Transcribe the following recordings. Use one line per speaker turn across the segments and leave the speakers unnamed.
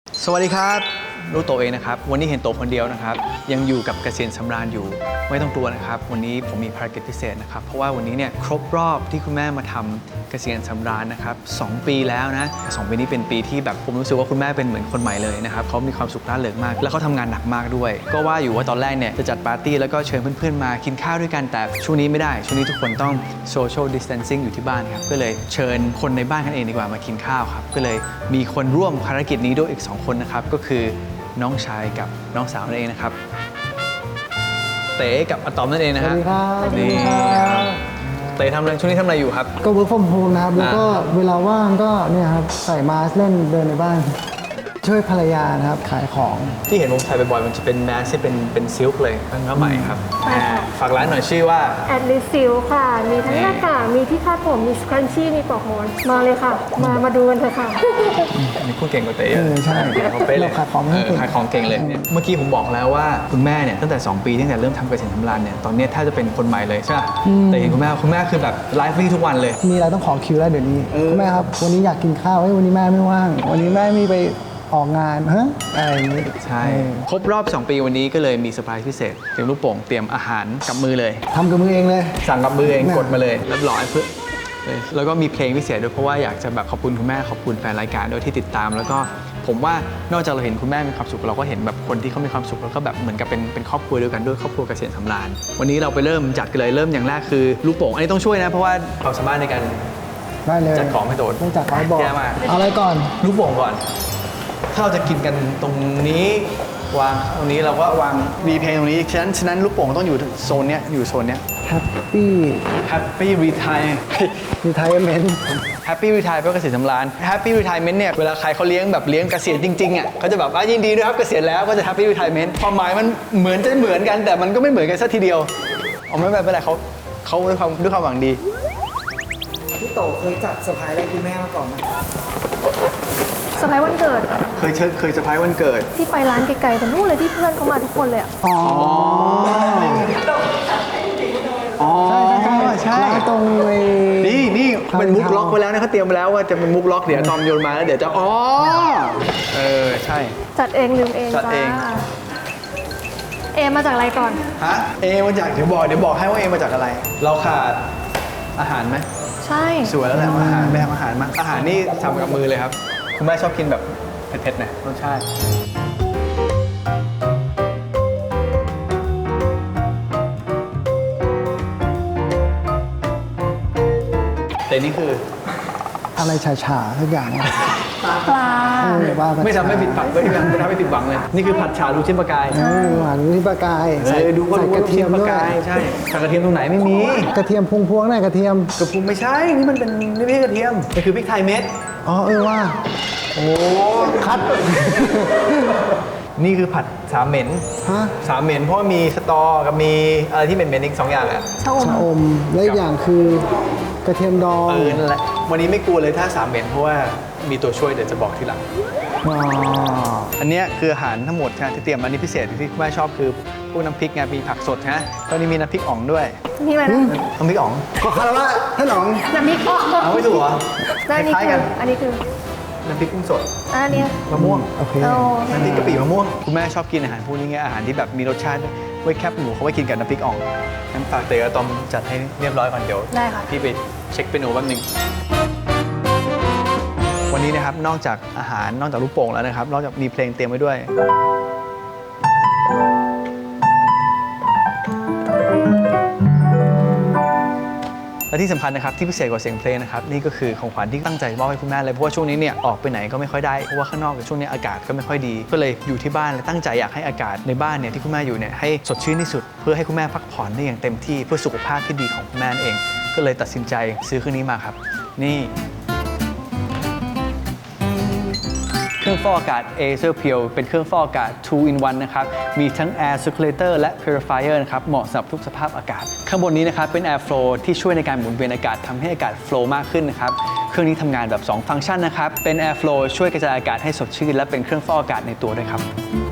สวัสดีครับรู้ตัวเองนะครับวันนี้เห็นตัวคนเดียวนะครับยังอยู่กับเกษียณสำราญอยู่ไม่ต้องกลัวนะครับวันนี้ผมมีภารกิจพิเศษนะครับเพราะว่าวันนี้เนี่ยครบรอบที่คุณแม่มาทำเกษียณสำราญนะครับ2 ปีแล้วนะ2 ปีนี้เป็นปีที่แบบผมรู้สึกว่าคุณแม่เป็นเหมือนคนใหม่เลยนะครับเขามีความสุขร่าเริงมากแล้วเขาทำงานหนักมากด้วยก็ว่าอยู่ว่าตอนแรกเนี่ยจะจัดปาร์ตี้แล้วก็เชิญเพื่อนๆมากินข้าวด้วยกันแต่ช่วงนี้ไม่ได้ช่วงนี้ทุกคนต้อง social distancing อยู่ที่บ้านครับก็เลยเชิญคนในบ้านกันเองดีกว่ามากินข้าวครับก็เลยมีคนร่วมภารกิจนี้ด้วยอีก2 คนนะครับก็คือน้องชายกับน้องสาวนั่นเองนะครับเต๋กับอะตอมนั่นเองนะฮะ
สวัสดีครับ
นี่ครับเต๋ทำอะไรช่วงนี้ทำอะไรอยู่ครับ
ก็ work from home นะครับ แล้วก็เวลาว่างก็เนี่ยครับใส่มาสก์เล่นเดินในบ้าน ช่วยภรรยานะครับขายของ
ที่เห็นผมใส่บ่อยๆมันจะเป็นแมสที่เป็นซิลค์เลยเป็นผ้าไหมครับ
ใช่ค่ะ
ฝากร้านหน่อยชื่อว่า
แอดลิซิลค่ะ มีทั้งหน้ากากมีที่คาดผม มีสครันชี่ มีปลอกหมอน มาเลยค่ะ มาดูกันเถอะค่ะ
อันนี้พูดเก่งกว่าเต๋เยอะ
ใช่
เขาเป๊ะเลย
เราขายของไม่เก่ง
ขายของเก่งเลยเนี่ยเมื่อกี้ผมบอกแล้วว่าคุณแม่เนี่ยตั้งแต่2 ปีตั้งแต่เริ่มทำเกษตรทำร้านเนี่ยตอนนี้ถ้าจะเป็นคนใหม่เลยใช่ไหมแต่เห็นคุณแม่คือแบบไลฟ์ลี่ทุกวันเลย
มีอะไรต้องขอคิวแล้วเดี๋ยวนี้คุณแม่ครับ วันนี้อยากกินข้าวเฮ้ยวันนี้แม่ไม่ว่าง วันนี้แม่มีไปออกงานฮะอะไรอย่างนี้
ใช่ครบรอบ 2 ปีวันนี้ก็เลยมีเซอร์ไพรส์พิเศษเตรียมลูกโป่งเตรียมอาหารกับมือเลย
ทำกับมือเองเลย
สั่งกับมือเอง
แม่
กดมาเลยเรียบร้อยเพื่อแล้วก็มีเพลงพิเศษด้วยเพราะว่าอยากจะแบบขอบคุณคุณแม่ขอบคุณแฟนรายการด้วยที่ติดตาม แล้วก็ผมว่านอกจากเราเห็นคุณแม่มีความสุขเราก็เห็นแบบคนที่เขามีความสุขแล้วก็แบบเหมือนกับเป็นครอบครัวเดียวกันด้วยครอบครัวเกษียณสำราญวันนี้เราไปเริ่มจัดกันเลยเริ่มอย่างแรกคือลูกโป่งอันนี้ต้องช่วยนะเพราะว่าความสามารถในการ
ได้เลย
จัดของให้โดด
ต้องจัดของบอก
แย่มาก
เอาอะไรก่อน
ลูกโป่งก่อน ถ้าเราจะกินกันตรงนี้วางตรงนี้เราก็วางมีเพลงตรงนี้ฉะนั้นลูกโป่งต้องอยู่โซนเนี้ยอยู่โซนเนี้ย
Happy
Happy Retire
Retirement
Happy Retire เพื่อเกษียณสำราญ Happy Retirement เนี่ยเวลาใครเขาเลี้ยงแบบเลี้ยงเกษียณจริงๆอ่ะเขาจะแบบยินดีด้วยครับเกษียณแล้วก็จะ Happy Retirement ความหมายมันเหมือนจะเหมือนกันแต่มันก็ไม่เหมือนกันสักทีเดียวเอาไม่เป็นไรเขาด้วยความหวังดี
พี่โตเคยจัดเซอร์ไพรส์อะไรคุณแม่มาก่อนไหม
สไพรส์วันเกิด
เคยเซอร์ไพรส์วันเกิด
ที่ไปร้านไกลๆแต่นู่นเลยที่เพื่อนเขามาทุกคนเลยอะ
อ๋อ
อ๋อใช่
ร้านตรงเลย
นี่เป็นมุกล็อกไว้แล้วนะเขาเตรียมไว้แล้วว่าจะเป็นมุกล็อกเดี๋ยวตอมโยนมาแล้วเดี๋ยวจะใช่
จัดเองลืมเอง
จัดเอง
จ้าเอมาจากอะไรก่อน
ฮะมาจากเดี๋ยวบอกให้ว่ามาจากอะไร เราขาดอาหารไหม
ใช่
สวยแล้วแหละอาหารแม่ทำอาหารมาอาหารนี่ทำกับมือเลยครับคุณแม่ชอบกินแบบเผ็ดๆนะรสชาติแต่นี่คือ
อะไรฉาๆทุกอย่างอะ
ปลา
ว่าป
ไม่ทำให้ผิดหวังไม่ทำให้ผิดหวังเลย นี่คือผัดฉาลูกชิ้นปลากาย
หวานนี่ปลากาย
ดูก็
ใส่
รู้
ก
ว่า
ระ
ลูก
เที
ชิ้
ย
น
ม
ปลา
ด้วย
กายใช่ใส่กระเทียมตรงไหนไม่มี
กระเทียมพวงๆหน่อยกระเทียม
กระพุ้งไม่ใช่นี่มันเป็นนี่ไม่ใช่กระเทียมมันคือพริกไทยเม็ด
อ๋อว่า
โอ้
คัด
นี่คือผัดสามเหม็น
ฮะ
สามเหม็นเพราะว่ามีสตอกับมีอะไรที่เหม็นๆอีก2 อย่างอ่ะ
ชะอม
ชะอมและอีกอย่างคือกระเทียมดอง
นั่นแหละวันนี้ไม่กลัวเลยถ้าสามเหม็นเพราะว่ามีตัวช่วยเดี๋ยวจะบอกทีหลัง
อ๋อ
อันเนี้ยคืออาหารทั้งหมดนะที่เตรียมอันนี้พิเศษที่คุณแม่ชอบคือพวกน้ำพริกไงมีผักสดนะตอนนี้มีน้ำพริกอ่องด้วย
นี่อะไรนะ
น้ำพริกอ่อง
ขอคารวะท่านหนอง
น้ำพริกอ่อง
เอาไม่ถูกเหรอ
แล้วอันนี้
คล้าย
คื
ๆกั
อน อันนี้คือ
น้ำพริกกุ้งสด
อันนี้
มะม่วง
โอเค
โอ้
น้ำพริกกะปิมะม่วงคุณแม่ชอบกินอาหารพวกนี้ไงอาหารที่แบบมีรสชาติไว้แคบหมูเขาไว้กินกับน้ำพริกอ่องงั้นฝากเต๋อตอมจัดให้เรียบร้อยก่อนเดี๋ยว
ได้ค่ะ
พี่ไปเช็คเมนูแป๊บนึงวันนี้นะครับนอกจากอาหารนอกจากลูกโป่งแล้วนะครับนอกจากมีเพลงเตรียมไว้ด้วยและที่สำคัญนะครับที่พิเศษกว่าเสียงเพลงนะครับนี่ก็คือของขวัญที่ตั้งใจมอบให้คุณแม่เลยเพราะว่าช่วงนี้เนี่ยออกไปไหนก็ไม่ค่อยได้เพราะว่าข้างนอกช่วงนี้อากาศก็ไม่ค่อยดีก็เลยอยู่ที่บ้านและตั้งใจอยากให้อากาศในบ้านเนี่ยที่คุณแม่อยู่เนี่ยให้สดชื่นที่สุดเพื่อให้คุณแม่พักผ่อนได้อย่างเต็มที่เพื่อสุขภาพที่ดีของคุณแม่นั่นเองก็เลยตัดสินใจซื้อเครื่องนี้มาครับนี่เครื่องฟอกอากาศ Acer Pure เป็นเครื่องฟอกอากาศ 2 in 1 นะครับ มีทั้ง Air Circulator และ Purifier นะครับ เหมาะสำหรับทุกสภาพอากาศ ข้างบนนี้นะครับ เป็น Air Flow ที่ช่วยในการหมุนเวียนอากาศทำให้อากาศ flow มากขึ้นนะครับ เครื่องนี้ทำงานแบบ 2 ฟังก์ชันนะครับ เป็น Air Flow ช่วยกระจายอากาศให้สดชื่นและเป็นเครื่องฟอกอากาศในตัวด้วยครับ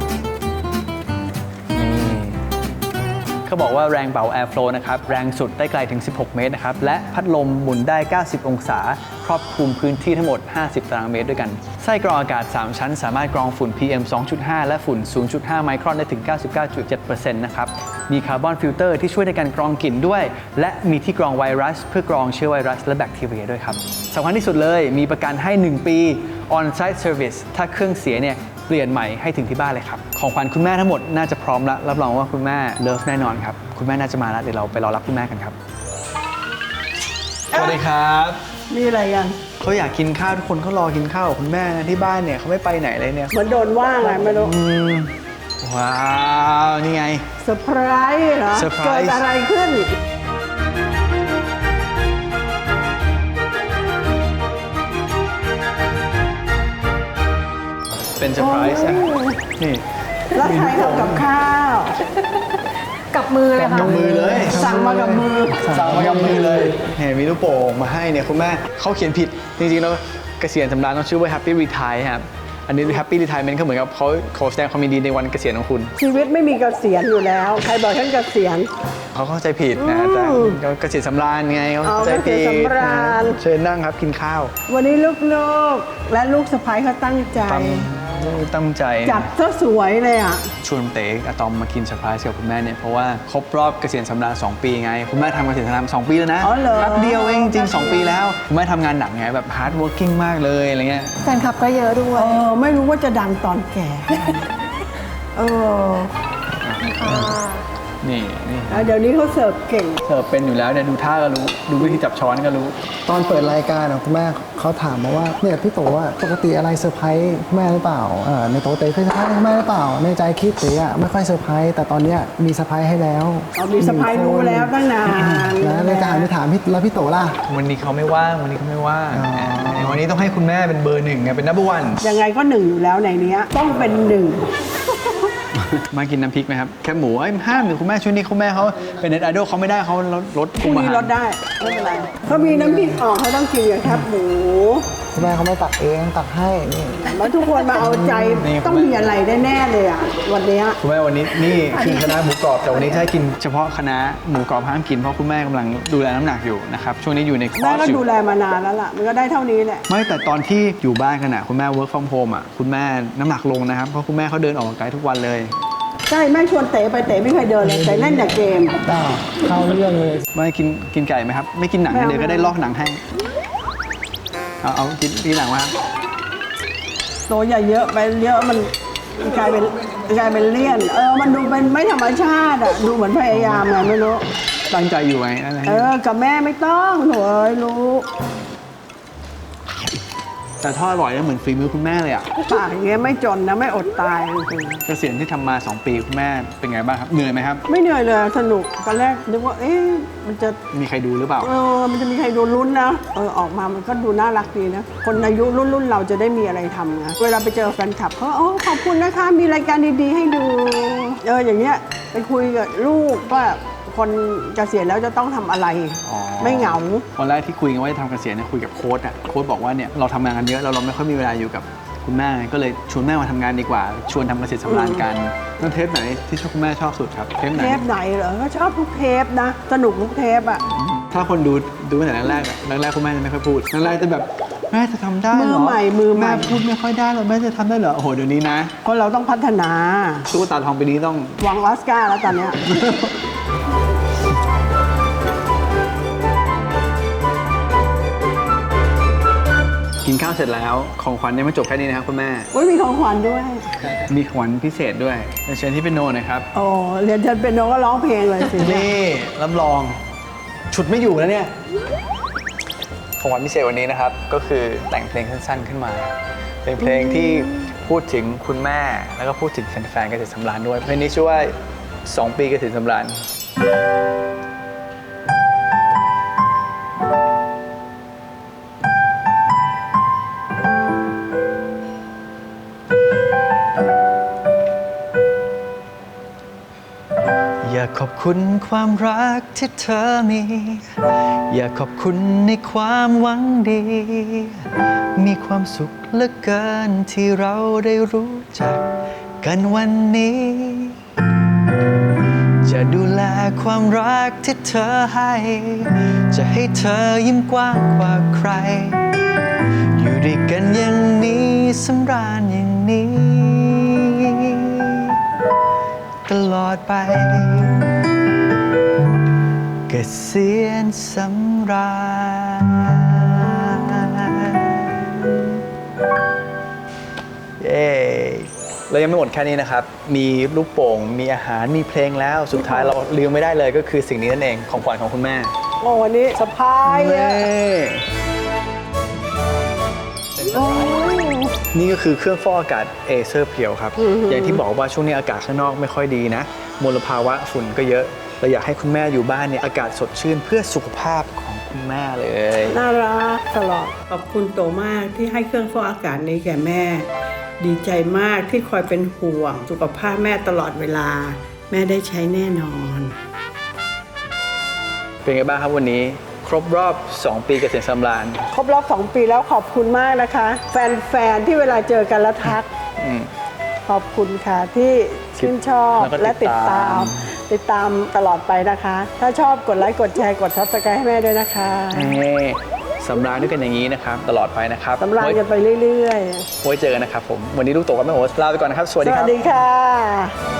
เขาบอกว่าแรงเป่า Airflow นะครับแรงสุดได้ไกลถึง 16 เมตรนะครับและพัดลมหมุนได้ 90 องศารอบคลุมพื้นที่ทั้งหมด 50 ตารางเมตรด้วยกันไส้กรองอากาศ 3 ชั้นสามารถกรองฝุ่น PM 2.5 และฝุ่น 0.5 ไมครอนได้ถึง 99.7% นะครับมีคาร์บอนฟิลเตอร์ที่ช่วยในการกรองกลิ่นด้วยและมีที่กรองไวรัสเพื่อกรองเชื้อไวรัสและแบคทีเรียด้วยครับสำคัญที่สุดเลยมีประกันให้ 1 ปี on-site service ถ้าเครื่องเสียเนี่ยเปลี่ยนใหม่ให้ถึงที่บ้านเลยครับของขวัญคุณแม่ทั้งหมดน่าจะพร้อมแล้วรับรองว่าคุณแม่เลิฟแน่นอนครับคุณแม่น่าจะมาแล้วเดี๋ยวเราไปรอรับคุณแม่กันครับสวัสดีครับ
มีอะไรยัง
เขาอยากกินข้าวทุกคนเขารอกินข้าวกับคุณแม่นะที่บ้านเนี่ยเขาไม่ไปไหนเลยเนี่ย
เหมือนโดนว่าไงไม่รู้
ว้าวนี่ไง
เซอร์ไพรส์เหรอ
เซอร์ไพรส์
เกิดอะไรขึ้น
เป็นเซอร์ไพรส์นะนี่
แล้วใครทำกับข้าว
กับมือเลยค่ะ
กับมือเลย
สั่งมากับมือ
สั่งมากับมือเลยเนี่ยมีลูกโป่งมาให้เนี่ยคุณแม่เขาเขียนผิดจริงๆแล้วเกษียณสำราญต้องชื่อว่า Happy Retire ครับอันนี้ Happy Retirement ก็เหมือนกับเขาขอแสดงความยินดีในวันเกษียณของคุณ
ชีวิตไม่มีเกษียณอยู่แล้ว ใครบอกฉันเกษียณ
เขาเข้าใจผิดนะแต่เขาเกษียณสำราญไงเขาเข้าใจผิด
เกษียณสำราญ
เชิญนั่งครับกินข้าว
วันนี้ลูกๆ และลูกสะใภ้เขาตั้งใจ
ตั้งใจ
จัดซะสวยเลยอ่ะ
ชวนเต๋อะตอมมากินเซอร์ไพรส์กับคุณแม่เนี่ยเพราะว่าครบรอบเกษียณสำราญ2 ปีไงคุณแม่ทำเกษียณสำราญ2 ปีแล้วนะ
อ๋อเหรอ
แป๊บเดียวเองจริงๆ2 ปีแล้วคุณแม่ทำงานหนักไงแบบ hard working มากเลยอะไรเงี้ย
แฟนคลับก็เยอะด้วย
ไม่รู้ว่าจะดังตอนแก่
นี่
เดี๋ยวนี้เขาเสิร์ฟเก่ง
เสิร์ฟเป็นอยู่แล้วเนี่ยดูท่าก็รู้ดูวิธีจับช้อนก็รู้
ตอนเปิดรายการคุณแม่เขาถามมาว่าเนี่ยพี่โตว่าปกติอะไรเซอร์ไพรส์แม่หรือเปล่าในโตเต้เคยเซอร์ไพรส์แม่หรือเปล่าในใจคิดเต๋อะไม่ค่อยเซอร์ไพรส์แต่ตอนเนี้ยมีเซอร์ไพรส์ให้แล้ว
มีสะใภ้รู้แล้วตั้งนาน
แล้วเลยจะหันไปถามพี่แล้วพี่โตล่ะ
วันนี้เขาไม่ว่างวันนี้ต้องให้คุณแม่เป็นเบอร์ 1ไงเป็น number 1
ยังไงก็หนึ่งอยู่แล้วในเนี้ยต้องเป็นหนึ่ง
มากินน้ำพริกไหมครับแคบหมูห้ามหรือคุณแม่ช่วงนี้คุณแม่เขาเป็นเน็ตไอดอลเขาไม่ได้เขาลด
พรุ่งนี้ลดได้ไม่เป็นไรเขามีน้ำพริกออกเขาต้องกินกับแคบหมู
คุณแม่เขาไม่ตักเองตักให้นี่
มาทุกคนมาเอาใจต้องมีอะไรแน่ๆเลยอ่ะวันเนี้ย
คุณแม่วันนี้นี่คือคณะหมูกรอบแต่วันนี้จะให้กินเฉพาะคณะหมูกรอบห้ามกินเพราะคุณแม่กำลังดูแลน้ำหนักอยู่นะครับช่วงนี้อยู่ในคอ
แม่
ร์ส
ก็
อยู่
ดูแลมานานแล้วล่ะมันก็ได้เท่านี้แหละ
ไม่แต่ตอนที่อยู่บ้านกันคุณแม่ work from home คุณแม่น้ำหนักลงนะครับเพราะคุณแม่เขาเดินออกกำลังกายทุกวันเลย
ใช่แม่ชวนเต๋ไปเต๋ไม่เคยเดินเลยแต่เล่นแต่เกม
เข้าเรื่องเลย
ไม่กินไก่ไหมครับไม่กินหนัง
ไม่เอา
เดี๋ยวก็ได้ลอกหนังให้เอากินหนังมาครับ
โตอย่าเยอะไปเยอะมันกลายเป็นเลี่ยนมันดูเป็นไม่ธรรมชาติอ่ะดูเหมือนพยายามไงไม่รู้
ตั้งใจอยู่ไงอะไร
กับแม่ไม่ต้องโถเอ้ยรู้
แต่ทอดอร่อยแล้วเหมือนฝีมือคุณแม่เลยอ่ะ
ปากอย่างเงี้ยไม่จนนะไม่อดตายจริง
เกษียณที่ทำมา2 ปีคุณแม่เป็นไงบ้างครับเหนื่อยไหมครับ
ๆไม่เหนื่อยเลยสนุกตอนแรกนึกว่ามันจะ
มีใครดูหรือเปล่า
มันจะมีใครดูลุ้นนะออกมามันก็ดูน่ารักดีนะคนอายุรุ่นเราจะได้มีอะไรทำนะเวลาไปเจอแฟนคลับเขาขอบคุณนะคะมีรายการดีๆให้ดูอย่างเงี้ยไปคุยกับลูกว่าคนเกษียณแล้วจะต้องทำอะไร
อ๋อ
ไม่เหงา
วันแรกที่คุยกันว่าจะทำเกษียณเนี่ยคุยกับโค้ชโค้ชบอกว่าเนี่ยเราทำงานกันเยอะเราไม่ค่อยมีเวลาอยู่กับคุณแม่ก็เลยชวนแม่มาทำงานดีกว่าชวนทำเกษตรสำราญกันนั่นเทปไหนที่ชอบคุณแม่ชอบสุดครับเทปไหน
เทปไหนเหรอก็ชอบทุกเทปนะสนุกทุกเทปอ่ะ
ถ้าคนดูตั้งแต่แรกคุณแม่จะไม่ค่อยพูดแรกจะแบบแม่จะทำได้เหรอ
มือใหม่
แม่พูดไม่ค่อยได้หรอแม่จะทำได้เหรอโอ้โหเดี๋ยวนี้นะ
คนเราต้องพัฒนา
ตุ๊กตาทองปีนี้ต้อง
หวังออสการ์แล้วตอนเนี้ย
กินข้าวเสร็จแล้วของขวัญยังไม่จบแค่นี้นะครับคุณแม่
มีของขวัญด้วย
มีของขวัญพิเศษด้วยเชิญที่เป็นโนนะครับ
เรียนเชิญเป็นโนก็ร้องเพลงเลยสิ
นี่รับรองฉุดไม่อยู่แล้วเนี่ยของขวัญพิเศษวันนี้นะครับก็คือแต่งเพลงสั้นๆขึ้นมาเป็นเพลงที่พูดถึงคุณแม่แล้วก็พูดถึงแฟนๆเกษตรสำราญด้วยเพลงนี้ชื่อว่า2 ปีเกษตรสำราญอยากขอบคุณความรักที่เธอมี อยากขอบคุณในความหวังดี มีความสุขเหลือเกินที่เราได้รู้จักกันวันนี้ จะดูแลความรักที่เธอให้ จะให้เธอยิ้มกว้างกว่าใครด้วยกันอย่างนี้สำราญอย่างนี้ ตลอดไป เกษียณสำราญเย้เรายังไม่หมดแค่นี้นะครับ มีลูกโป่ง มีอาหาร มีเพลงแล้ว สุดท้ายเราลืมไม่ได้เลยก็คือสิ่งนี้นั่นเอง ของขวัญของคุณแม่
โอ้วันนี้สะพายอะ
นี่ก็คือเครื่องฟอกอากาศเอเซอร์เพียวครับ อย่างที่บอกว่าช่วงนี้อากาศข้างนอกไม่ค่อยดีนะ มลภาวะฝุ่นก็เยอะ เราอยากให้คุณแม่อยู่บ้านเนี่ยอากาศสดชื่นเพื่อสุขภาพของคุณแม่เลย
น่ารักตลอด ขอบคุณโตมากที่ให้เครื่องฟอกอากาศนี้แก่แม่ ดีใจมากที่คอยเป็นห่วงสุขภาพแม่ตลอดเวลา แม่ได้ใช้แน่นอน
เป็นไงบ้างครับวันนี้ครบรอบ 2 ปีเกษียณสำราญ
ครบรอบ 2 ปีแล้วขอบคุณมากนะคะ แฟนๆที่เวลาเจอกันแล้วทัก
อืม
ขอบคุณค่ะที่ชื่นชอบ
แล้วก็
และ
ติ
ติ
ด
ด
ตา
ติดตามตลอดไปนะคะ ถ้าชอบกดไลค์กดแชร์กด Subscribe ให้แม่ด้วยนะคะ
นี่สำราญด้วยกันอย่างนี้นะครับ ตลอดไปนะครับ
สำราญกันไปเรื่อย
ไว้เจอกันนะครับผม วันนี้ลูกโตกับแม่โอ๊ตลาไปก่อนนะครับ สวัส
ๆ ส
ดีค
วั
รั
ส
บ
ดีค่ะ